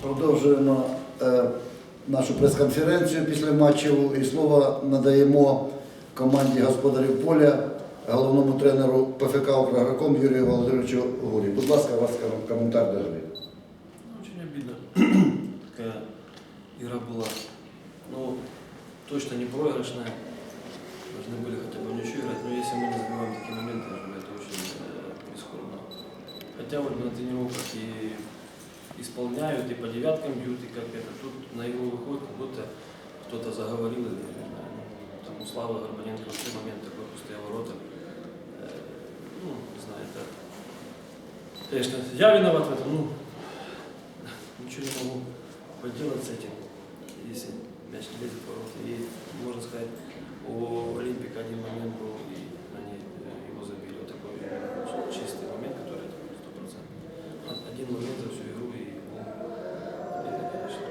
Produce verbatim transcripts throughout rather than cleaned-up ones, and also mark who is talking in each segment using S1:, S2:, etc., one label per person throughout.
S1: Продовжуємо е, нашу прес-конференцію після матчу і слово надаємо команді господарів поля, головному тренеру ПФК «Украгроком» Юрію Володимировичу Гурі. Будь ласка, у вас коментар до гри.
S2: Очень обидно. Такая игра была. Ну, точно не проигрышная. Должны были хотя бы ничью играть. Но если мы не забиваем такие моменты, это очень э, прискорбно. Хотя вот на тренировках и исполняют, и по девяткам бьют, и как это. Тут на игру выходит, как будто кто-то заговорил, или, не знаю, ну, там у Славы Горбаненко в тот момент такой пустые ворота. Э, ну, не знаю, это... Конечно, я виноват в этом, ну, ничего не могу поделать с этим, если мяч не лезет в ворота. И, можно сказать, у Олимпика один момент был, и они его забили. Вот такой чистый момент, который сто процентов. Один момент за всю игру, и ну, это, конечно.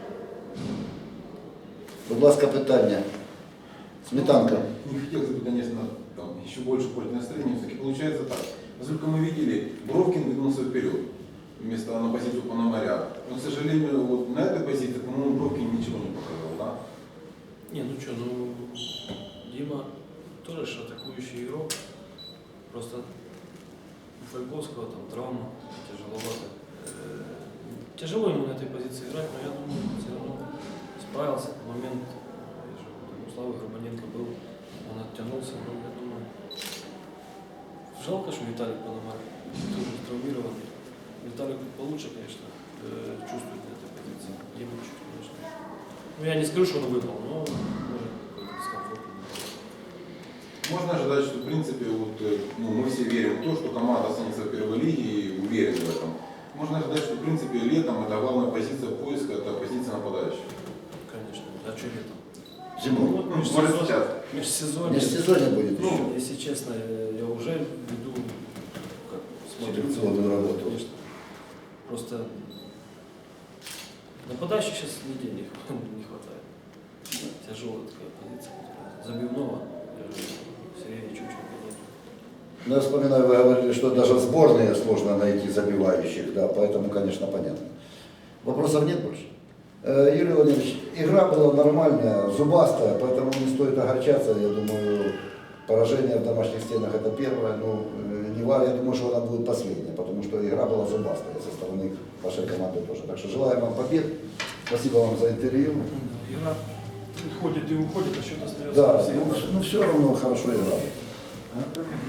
S1: Будь ласка, питання. Сметанка.
S3: Не хотелось бы, конечно, там, еще больше портить настроение. Все-таки получается так. Насколько мы видели, Бровкин двинулся вперед вместо на позицию Пономаря. Но, к сожалению, вот на этой позиции, по-моему, Бровкин ничего не показал, да?
S2: Не, ну что, ну Дима тоже же атакующий игрок. Просто у Фольковского там травма, тяжеловато. Э, Тяжело ему на этой позиции играть, но я думаю, все равно справился. Момент, я же, там, у Славы Горбаненко был, он оттянулся, но я думаю, жалко, что Виталик Пономарь тоже травмированный. Виталик получше, конечно, э, чувствует на этой позиции. Дима чуть, конечно. Ну, я не скажу, что он выпал, но может какой-то дискомфорт.
S3: Можно ожидать, что, в принципе, вот, э, ну, мы все верим в то, что команда останется в первой лиге и уверены в этом. Можно ожидать, что, в принципе, летом это главная позиция поиска, это позиция нападающего.
S2: Конечно. А что летом?
S1: Зимой.
S2: Вот
S3: Ну, может, сейчас.
S2: межсезонье.
S1: Межсезонье будет
S2: Ну,
S1: еще.
S2: если честно, я уже веду, как, смотрю,
S1: Селекционную работу.
S2: конечно. Просто нападающих сейчас нигде не, не хватает. Тяжелая такая позиция. Забивного, я же Сергея Чученко нет.
S1: Ну, я вспоминаю, вы говорили, что даже в сборной сложно найти забивающих, да, поэтому, конечно, понятно. Вопросов нет больше? Э, Юрий Владимирович, игра была нормальная, зубастая, поэтому не стоит огорчаться. Я думаю, поражение в домашних стенах это первое, но э, не важно, я думаю, что она будет последняя, потому что игра была зубастая со стороны вашей команды тоже. Так что желаем вам побед, спасибо вам за интервью.
S2: Игра уходит и уходит, а счет остается.
S1: Да, ну, ну все равно хорошо играли.